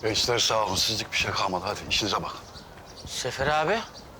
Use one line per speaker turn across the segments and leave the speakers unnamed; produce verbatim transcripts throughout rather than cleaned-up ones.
Gençler sağ olun. Sizlik bir şey kalmadı. Hadi işinize bakın.
Sefer abi.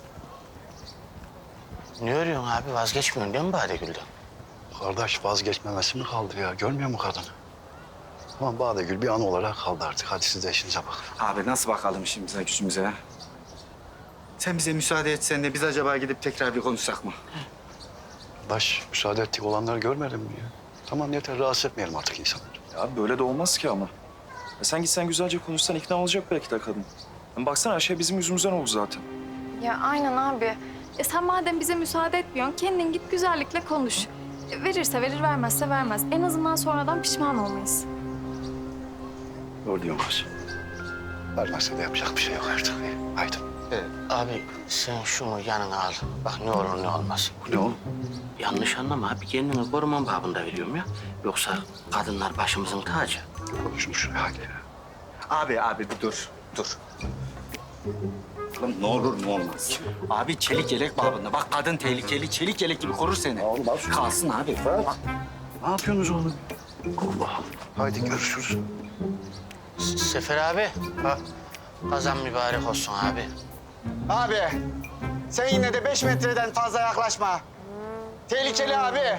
Ne arıyorsun abi? Vazgeçmiyorsun değil mi Badegül'den?
Kardeş vazgeçmemesi mi kaldı ya? Görmüyor mu kadını? Ama Badegül bir an olarak kaldı artık. Hadi siz de işinize bakın.
Abi nasıl bakalım işimize gücümüze ya? Sen bize müsaade etsen de biz acaba gidip tekrar bir konuşsak mı?
Kardeş müsaade ettik olanları görmedin mi ya? Tamam yeter rahatsız etmeyelim artık insanları.
Ya böyle de olmaz ki ama. Ya sen gitsen güzelce konuşsan ikna olacak belki de kadın. Hem baksana her şey bizim yüzümüzden oldu zaten.
Ya aynen abi. E sen madem bize müsaade etmiyorsun, kendin git güzellikle konuş. E, verirse verir, vermezse vermez. En azından sonradan pişman olmayız.
Doğru diyorsun kız. Vermezse de yapacak bir şey yok artık. Haydi.
Abi sen şunu yanına al. Bak ne olur ne olmaz.
Bu ne oğlum?
Yanlış anlama abi. Kendini koruman babında veriyorum ya. Yoksa kadınlar başımızın tacı.
Konuşun şuraya hadi ya.
Abi abi bir dur, dur. Oğlum ne olur ne olmaz. Abi çelik yelek babında. Bak kadın tehlikeli, çelik yelek gibi korur seni.
Oğlum, al şunu.
Kalsın abi.
Ne yapıyorsunuz oğlum? Allah Allah. Haydi görüşürüz.
S- Sefer abi.
Ha?
Kazan mübarek olsun abi.
Abi sen yine de beş metreden fazla yaklaşma. Tehlikeli abi.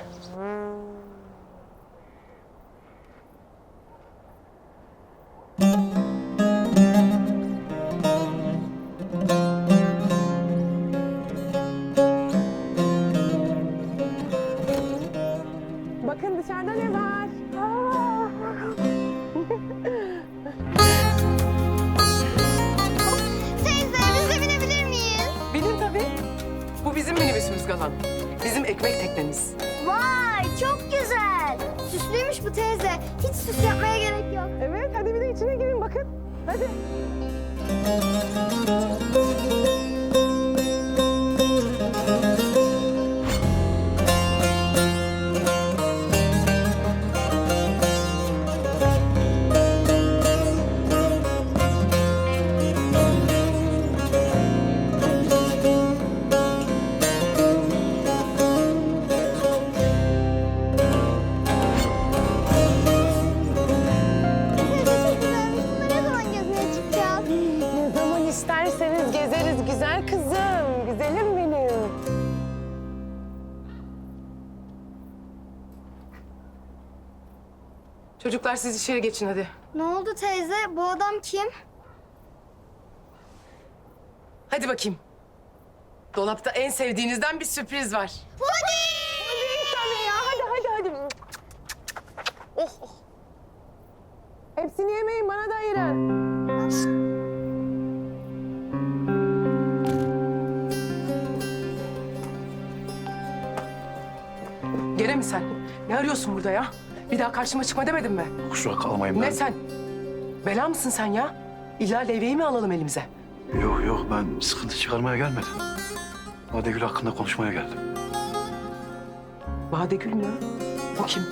Bakın dışarıda ne var? Aa!
Teyze biz de binebilir miyiz?
Binin tabii. Bu bizim minibüsümüz Galan. Bizim ekmek teknemiz.
Vay çok güzel. Süslüymüş bu teyze. Hiç süs yapmaya gerek yok.
Evet, hadi bir de içine girin bakın. Hadi.
Teyze çok güzelmiş. Bununla ne zaman gezmeye çıkacağız?
Ne zaman isterseniz gezeriz güzel kızım. Güzelim benim. Çocuklar siz içeri geçin hadi.
Ne oldu teyze? Bu adam kim?
Hadi bakayım. Dolapta en sevdiğinizden bir sürpriz var.
Puding!
Hadi tabii ya. Hadi hadi hadi. Oh oh. Hepsini yemeyin bana da ayırın. Gene mi sen? Ne arıyorsun burada ya? Bir daha karşıma çıkma demedim mi?
Kusura kalmayın ben.
Ne sen? Bela mısın sen ya? İlla levyeyi mi alalım elimize?
Yok yok ben sıkıntı çıkarmaya gelmedim. Badegül hakkında konuşmaya geldim.
Badegül mü? O kim?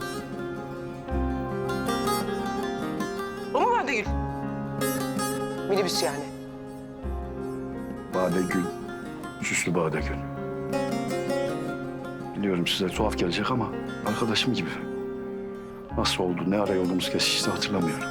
O mu Badegül? Minibüs yani.
Badegül. Süslü Badegül. Biliyorum size tuhaf gelecek ama arkadaşım gibi. Nasıl oldu, ne ara yolumuz kesişti hatırlamıyorum.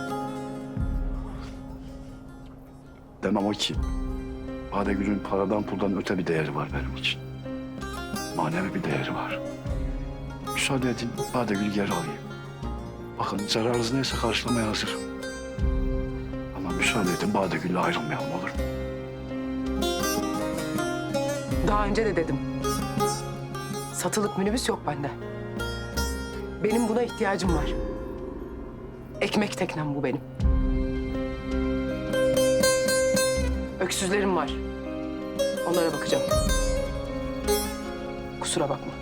Demem o ki, Badegül'ün paradan puldan öte bir değeri var benim için. Manevi bir değeri var. Müsaade edin, Badegül'ü geri alayım. Bakın zararınız neyse karşılamaya hazırım. Ama müsaade edin, Badegül'le ayrılmayalım olur mu?
Daha önce de dedim. Satılık minibüs yok bende. Benim buna ihtiyacım var. Ekmek teknem bu benim. Öksüzlerim var. Onlara bakacağım. Kusura bakma.